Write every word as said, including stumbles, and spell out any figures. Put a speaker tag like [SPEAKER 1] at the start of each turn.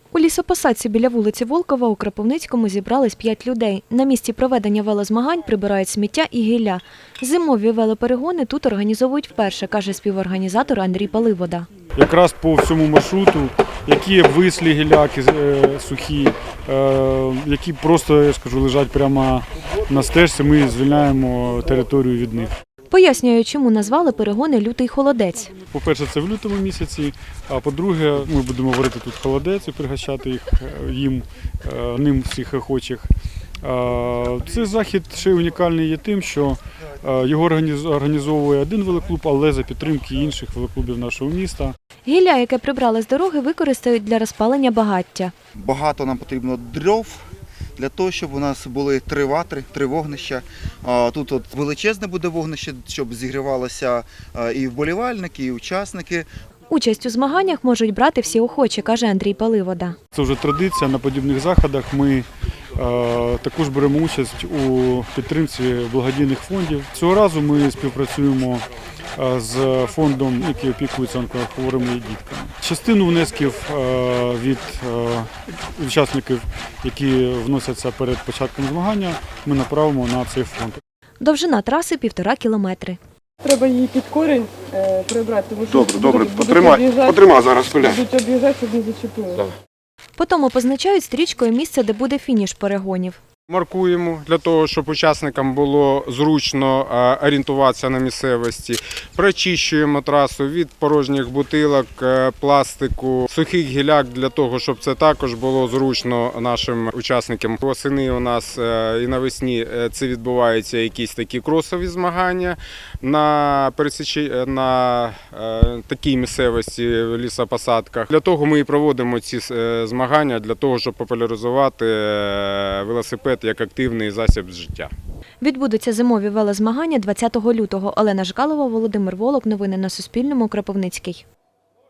[SPEAKER 1] У лісопосадці біля вулиці Волкова у Кропивницькому зібрались п'ять людей. На місці проведення велозмагань прибирають сміття і гілля. Зимові велоперегони тут організовують вперше, каже співорганізатор Андрій Паливода.
[SPEAKER 2] Якраз по всьому маршруту, які вислі гіляки сухі, які просто, я скажу, лежать прямо на стежці, ми звільняємо територію від них.
[SPEAKER 1] Пояснює, чому назвали перегони «Лютий холодець».
[SPEAKER 2] По-перше, це в лютому місяці, а по-друге, ми будемо варити тут холодець і пригощати їх, їм, ним всіх охочих. Цей захід ще унікальний є тим, що його організовує один велоклуб, але за підтримки інших велоклубів нашого міста.
[SPEAKER 1] Гілля, яке прибрали з дороги, використають для розпалення багаття.
[SPEAKER 3] Багато нам потрібно дров для того, щоб у нас були три ватри, три вогнища. Тут от величезне буде вогнище, щоб зігрівалося і вболівальники, і учасники.
[SPEAKER 1] Участь у змаганнях можуть брати всі охочі, каже Андрій Паливода.
[SPEAKER 2] Це вже традиція, на подібних заходах ми е, також беремо участь у підтримці благодійних фондів. Цього разу ми співпрацюємо з фондом, який опікується онкохворими дітками. Частину внесків е, від е, учасників, які вносяться перед початком змагання, ми направимо на цей фонд.
[SPEAKER 1] Довжина траси – півтора кілометри.
[SPEAKER 4] Треба її під корінь е, прибрати, тому що
[SPEAKER 5] Добре, добре,
[SPEAKER 4] будуть,
[SPEAKER 5] потримай,
[SPEAKER 4] будуть
[SPEAKER 5] потримай зараз, Коля.
[SPEAKER 4] будуть об'їжджати, щоб не зачепили.
[SPEAKER 1] Потім позначають стрічкою місце, де буде фініш перегонів.
[SPEAKER 5] Маркуємо для того, щоб учасникам було зручно орієнтуватися на місцевості. Прочищуємо трасу від порожніх бутилок, пластику, сухих гіляк для того, щоб це також було зручно нашим учасникам. Восени у нас і навесні це відбуваються якісь такі кросові змагання на пересічі, на такій місцевості в лісопосадках. Для того ми і проводимо ці змагання, для того, щоб популяризувати велосипед як активний засіб життя.
[SPEAKER 1] Відбудуться зимові велозмагання двадцятого лютого. Олена Жкалова, Володимир Волок. Новини на Суспільному. Кропивницький.